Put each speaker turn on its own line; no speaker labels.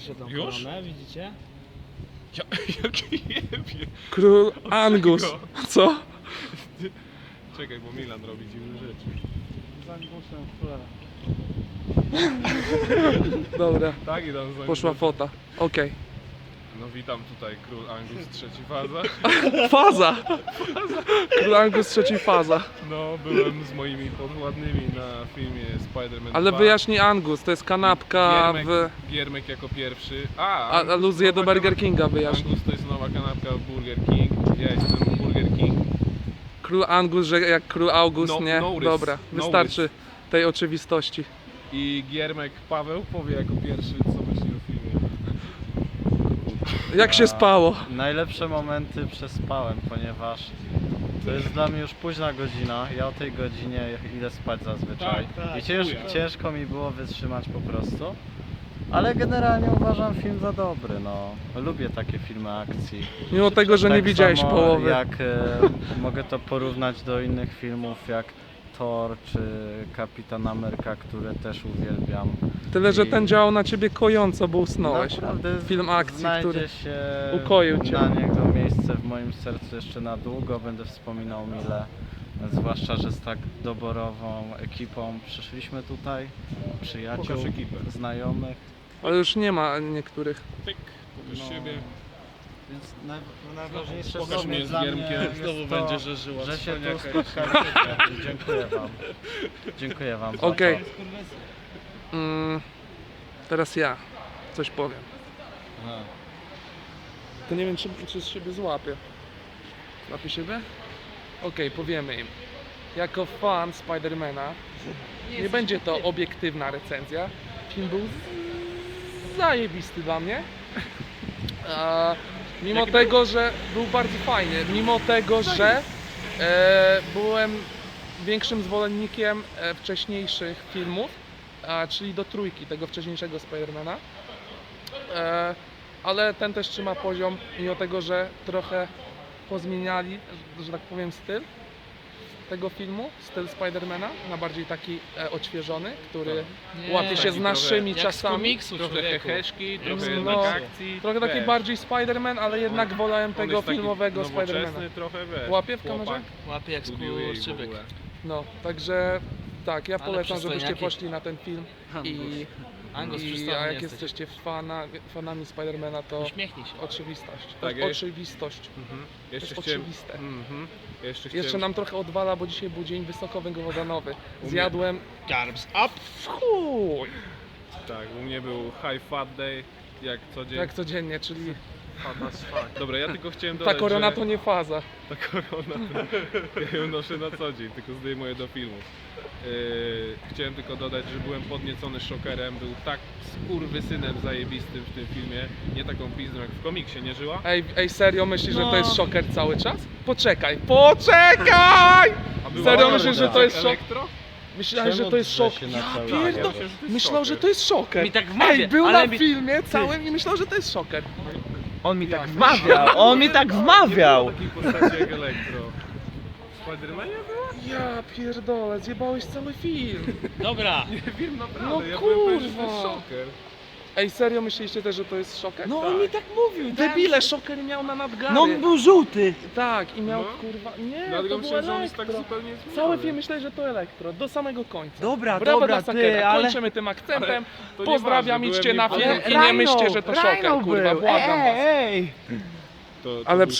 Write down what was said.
Patrzcie tą
Już?
koronę, widzicie?
Jaki jebie.
Król Angus. Co?
Czekaj, bo Milan robi dziwne rzeczy.
Z Angusem, cholera.
Dobra,
Tak i tam za
poszła fota. Okej.
No witam tutaj król Angus trzeci faza.
Faza! Król Angus trzeci faza.
No byłem z moimi podwładnymi na filmie Spider-Man
Ale
2.
wyjaśnij Angus, to jest kanapka
Giermek jako pierwszy.
A
Angus
aluzję do
nowa
Burger Kinga wyjaśnij.
Angus to jest nowa kanapka w Burger King. Ja jestem Burger King.
Król Angus, że jak król August,
No,
nie?
no rys,
Dobra,
no
wystarczy tej oczywistości.
I Giermek Paweł powie jako pierwszy, co myśli o filmie.
Jak się spało?
Najlepsze momenty przespałem, ponieważ to jest dla mnie już późna godzina. Ja o tej godzinie idę spać zazwyczaj.
Tak,
I
chuja.
ciężko mi było wytrzymać po prostu. Ale generalnie uważam film za dobry, no. Lubię takie filmy akcji.
Mimo tego, że nie
Tak
widziałeś
samo
połowy.
Jak mogę to porównać do innych filmów jak Thor czy Kapitan Ameryka, które też uwielbiam.
Tyle, że
I
ten działał na ciebie kojąco, bo usnąłeś.
Naprawdę
Film akcji,
znajdzie
który
się
ukoił cię.
na niego miejsce w moim sercu jeszcze na długo. Będę wspominał mile. Zwłaszcza, że z tak doborową ekipą przyszliśmy tutaj. Przyjaciół,
Pokaż ekipę.
znajomych.
Ale już nie ma niektórych.
Tyk, pokaż siebie.
Więc najważniejsze
Pokaż
są
mnie z
dla
Giermkiem.
mnie
Znowu
jest
będzie,
to,
że żyła
że się tu
cwaniaka
spotkaliście. Dziękuję wam. Dziękuję wam. za
Okej.
to.
Teraz ja coś powiem. To nie wiem, czy z siebie złapię. Złapię siebie? Okej, powiemy im. Jako fan Spidermana, nie będzie to obiektywna recenzja. Film był zajebisty dla mnie. Mimo tego, że był bardzo fajny, mimo tego, że byłem większym zwolennikiem wcześniejszych filmów, czyli do trójki, tego wcześniejszego Spidermana. Ale ten też trzyma poziom, mimo tego, że trochę pozmieniali, że tak powiem, styl tego filmu, styl Spidermana, na bardziej taki odświeżony, który łapie się z
taki
naszymi
Jak z
czasami.
komiksu,
Trochę
człowieku.
heheszki, trochę
No,
jednak akcji.
Trochę taki
wiesz,
bardziej Spider-Man, ale jednak wolałem
on
tego
jest taki
filmowego
nowoczesny,
Spidermana.
trochę wiesz.
Łapie w
chłopak,
kamerze?
Łapie jak
lubił jej w
skurczybyk.
ogóle.
No, także tak, ja
Ale
polecam, żebyście
przystojniaki.
poszli na ten film
Angus,
i
przystojny
a jak
jesteś.
jesteście fanami Spidermana, to
Uśmiechnij się.
oczywistość. To
Tak
jest
jest.
oczywistość.
Mhm.
To
Jeszcze
jest
chciałem...
oczywiste.
Mhm.
Jeszcze
chciałem...
nam trochę odwala, bo dzisiaj był dzień wysokowęglowodanowy.
mnie-
Zjadłem
Carbs up!
w chuj!
Tak, u mnie był high fat day, jak co dzień.
Jak codziennie, czyli
Fat as fuck. Dobra, ja tylko chciałem
ta
dodać,
korona
że...
to nie faza.
Ta korona, to ja ją noszę na co dzień, tylko zdejmuję do filmu. Chciałem tylko dodać, że byłem podniecony Szokerem, był tak skurwysynem zajebistym w tym filmie, nie taką pizdą jak w komiksie, nie żyła?
Ej, serio myślisz, że to
No.
jest szoker cały czas? Poczekaj!
A była
Serio
ona
myślisz, że to jest szok?
elektro?
Myślałeś, że
Czemu
to jest
drze
szok.
się na
Ja
cały
pierdolę.
świat?
Myślę, że to jest
Myślał, że
szoker.
to jest szoker.
Mi tak wmawia,
Ej, był
ale
na
mi-
filmie całym i myślał, że to jest szoker.
On mi tak wmawiał, on mi tak wmawiał.
Nie było takiej postaci jak elektro. W Spidermanie była?
Ja pierdolę, zjebałeś cały film.
Dobra!
Nie wiem, naprawdę,
No
ja byłem pewien, że to
kurwa.
jest Szoker.
Ej, serio myśleliście też, że to jest szoker?
No
Tak.
on mi tak mówił!
Debile, szoker miał na nadgarę.
No on był żółty!
Tak, i miał
No.
kurwa... Nie,
Dlatego
to było
myślałem, że on jest tak
elektro.
zupełnie zmieniony.
Cały film myśleli, że to elektro, do samego końca.
Dobra,
Brawo
dobra,
dla Sakera,
ty, ale...
kończymy tym akcentem.
To
Pozdrawiam,
nieważne,
idźcie
byłem
na film
niepewny.
i nie myślcie, że to szoker, kurwa, błagam was.
Ej!
To
Ale
był